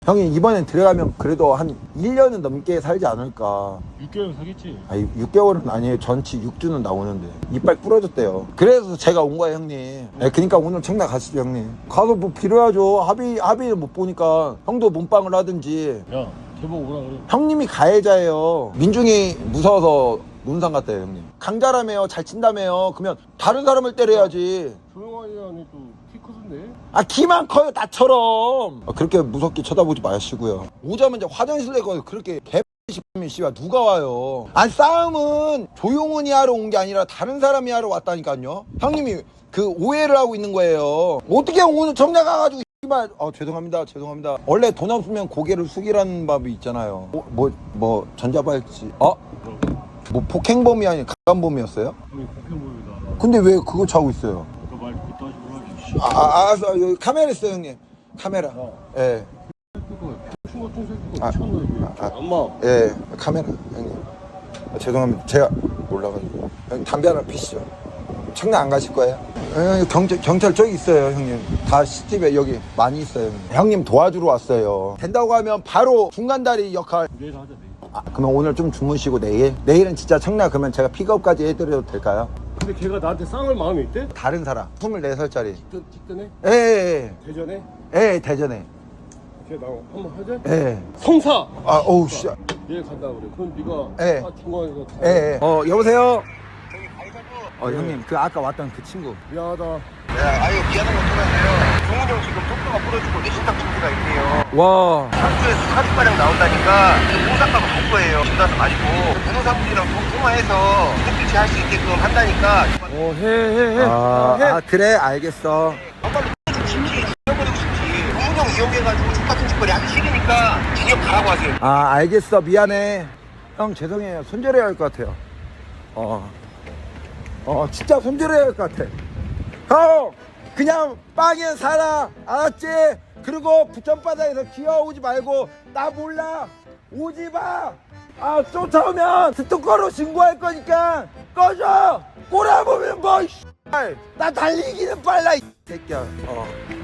형이 이번엔 들어가면 그래도 한 1년은 넘게 살지 않을까. 6개월 사겠지. 아니 6개월은 아니에요. 전치 6주는 나오는데 이빨 부러졌대요. 그래서 제가 온 거예요 형님. 네, 그러니까 오늘 청라 가시죠 형님. 가서 뭐 빌어야죠. 합의를 못 보니까 형도 몸빵을 하든지. 야 대박 오라 그래. 형님이 가해자예요. 민중이 무서워서 논산 갔대요 형님. 강자라며요. 잘 친다며요. 그러면 다른 사람을 때려야지. 조용하니 안에 또 키 크던데. 아 키만 커요 나처럼. 그렇게 무섭게 쳐다보지 마시고요. 오자마자 화장실에 가서 그렇게 개X면 씨발 누가 와요. 아니 싸움은 조용훈이 하러 온 게 아니라 다른 사람이 하러 왔다니까요. 형님이 그 오해를 하고 있는 거예요. 어떻게 오늘 정장 가가지고 씨발 죄송합니다 원래 돈 없으면 고개를 숙이라는 법이 있잖아요. 뭐 전자발찌 뭐 폭행범이 아닌 강간범이었어요? 우리 국회의원이다. 근데 왜 그거 차고 있어요? 그 말 그따 식으로 하지. 알았어. 여기 카메라 있어요 형님. 카메라. 예. 춤 같은 새끼가 미쳤나 이게. 엄마. 예, 카메라 형님. 죄송합니다. 제가 몰라가지고. 형님 담배 하나 피시죠. 청량 안 가실 거예요? 경찰 저기 있어요 형님. 다 CCTV에 여기 많이 있어요 형님. 형님 도와주러 왔어요. 된다고 하면 바로 중간다리 역할. 내일 하자 내일. 그러면 오늘 좀 주무시고 내일은 진짜 청량 그러면 제가 픽업까지 해드려도 될까요? 근데 걔가 나한테 쌍을 마음이 있대? 다른 사람 24살짜리. 직전에? 예. 대전에? 예, 대전에. 걔 나 한번 하자? 예. 성사! 어우 씨. 내일 간다 그래. 그럼 네가 예. 중간에서 다. 예. 여보세요? 형님 그 아까 왔던 그 친구. 미안하다. 아유 미안한 건 토라서요. 종훈이 형 지금 속도가 부러지고 내신탕 증세가 있대요. 와. 상주에서 사주가량 나온다니까 홍상가가 갈 거예요. 집 가서 마시고 변호사분이랑 통화해서 택배치 할 수 있게끔 한다니까. 해. 그래 알겠어. 정말로 싶지 지켜버리고 싶지. 종훈이 형 이용해가지고 족같은 짓거리 하기 싫으니까 징역 가라고 하세요. 알겠어 미안해. 형 죄송해요. 손절해야 할 것 같아요. 진짜 손절해야 할 것 같아. 형 그냥 빵에 살아 알았지? 그리고 부천바다에서 기어오지 말고 나 몰라 오지 마. 쫓아오면 스토커로 신고할 거니까 꺼져. 꼬라보면 뭐 나 달리기는 빨라 이 새끼야.